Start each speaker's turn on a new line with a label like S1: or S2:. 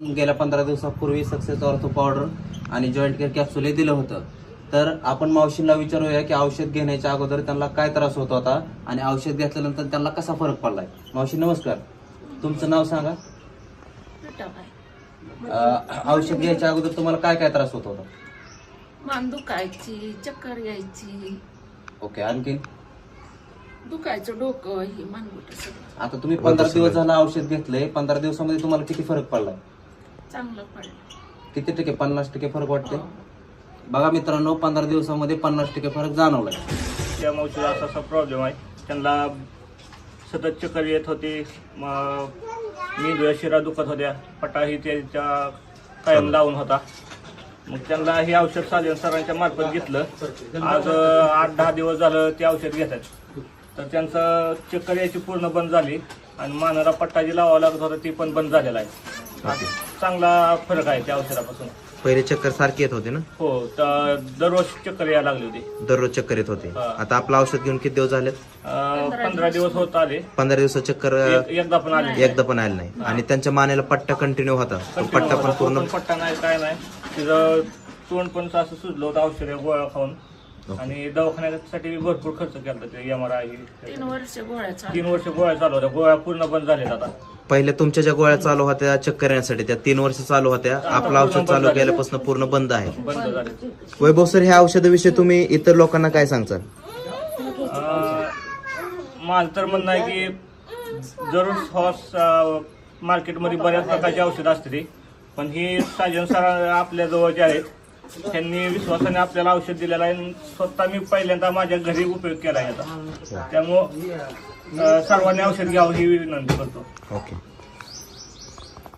S1: गेल्या 15 दिवसापूर्वी success ortho powder आणि जॉईंट केअर कॅप्सूल हे दिलं होतं. तर आपण मावशींना विचारूया की औषध घेण्याच्या अगोदर त्यांना काय त्रास होत होता आणि औषध घेतल्यानंतर त्यांना कसा फरक पडलाय. मावशी नमस्कार, तुमचं नाव सांगा. औषध घ्यायच्या अगोदर तुम्हाला काय काय त्रास होत होता?
S2: मान दुखायची, चक्कर यायची.
S1: ओके, आणखी
S2: दुखायचं डोकं, ही मानगुट सगळं.
S1: आता तुम्ही 15 दिवस झालं औषध घेतलंय. 15 दिवसामध्ये तुम्हाला किती फरक पडलाय?
S2: चांगलं पडलं.
S1: किती टक्के? 50% फरक वाटते. बघा मित्रांनो, 15 दिवसामध्ये 50% फरक जाणवलाय.
S3: त्या मावशीला असा प्रॉब्लेम आहे. त्यांना सतत चक्कर येत होती, मेंदूच्या शिरा दुखत होत्या, पटाही त्याच्या कायम लावून होता. मग त्यांना हे औषध साजन सरांच्या मार्फत घेतलं. आज 8-10 दिवस झालं ते औषध घेतात. तर त्यांचं चक्कर यायची पूर्ण बंद झाली आणि मानाला पट्टा जी लावावं लागत होता ती पण बंद झालेला आहे. चांगला फरक आहे त्या औषधापासून.
S4: पहिले चक्कर सारखी येत होते ना?
S3: हो, तर दररोज चक्कर यायला लागली होती.
S4: दररोज चक्कर येत होते. आता आपलं औषध घेऊन किती दिवस झालेत?
S3: 15 दिवस होत आले.
S4: 15 दिवसात चक्कर
S3: एकदा पण आले
S4: एकदा पण आलं नाही. आणि त्यांच्या मानेला पट्टा कंटिन्यू होता. पट्टा पण पूर्ण
S3: पट्टा नाही, काय नाही. तिचं तोंड पण असं सुजलं होतं औषध गोळ्या खाऊन. आणि दवाखान्यासाठी भरपूर खर्च केला. ते MRI
S2: 3 वर्ष गोळ्या
S3: 3 वर्ष गोळ्या चालू होत्या. गोळ्या पूर्ण बंद झाल्यात आता.
S4: पहिले तुमच्या ज्या गोळ्या चालू होत्या चक्कर येण्यासाठी त्या 3 वर्ष चालू होत्या. आपलं औषध चालू केल्यापासून पूर्ण बंद आहे.
S3: बंद झाले.
S4: वैभव सर, ह्या औषधाविषयी तुम्ही इतर लोकांना काय सांगता?
S3: माझं तर म्हणणं आहे की जरूर मार्केटमध्ये बऱ्याच प्रकारची औषधं असते, पण ही साजन सर आपल्या जवळचे आहेत. त्यांनी विश्वासाने आपल्याला औषध दिलेलं आहे. स्वतः मी पहिल्यांदा माझ्या घरी उपयोग केला आहे याचा. त्यामुळं सर्वांनी औषध घ्यावं ही विनंती करतो.
S4: ओके.